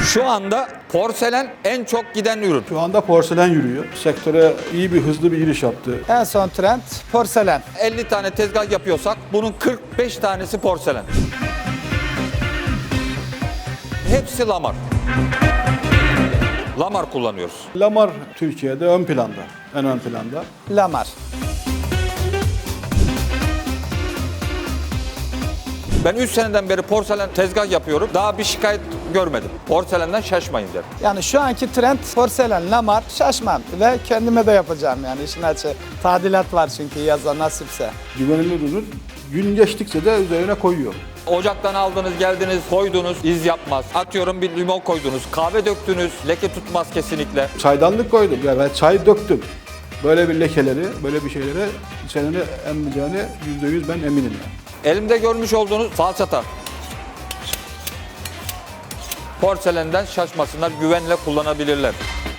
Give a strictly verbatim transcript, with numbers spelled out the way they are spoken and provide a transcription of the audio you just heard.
Şu anda porselen en çok giden ürün. Şu anda porselen yürüyor. Sektöre iyi bir hızlı bir giriş yaptı. En son trend porselen. elli tane tezgah yapıyorsak bunun kırk beş tanesi porselen. Hepsi lamar. Lamar kullanıyoruz. Lamar Türkiye'de ön planda, en ön planda. Lamar. Ben üç seneden beri porselen tezgah yapıyorum. Daha bir şikayet görmedim. Porselenden şaşmayın derim. Yani şu anki trend porselen, lamar, şaşmam ve kendime de yapacağım yani işin açığı. Tadilat var çünkü yaza nasipse. Güvenilir ürün. Gün geçtikçe de üzerine koyuyor. Ocaktan aldınız, geldiniz, koydunuz, iz yapmaz. Atıyorum bir limon koydunuz, kahve döktünüz, leke tutmaz kesinlikle. Çaydanlık koydum. Ya ben çay döktüm. Böyle bir lekeleri, böyle bir şeylere içerini emmeyeceğine yüzde yüz ben eminim yani. Elimde görmüş olduğunuz falçata. Porselenden şaşmasınlar, güvenle kullanabilirler.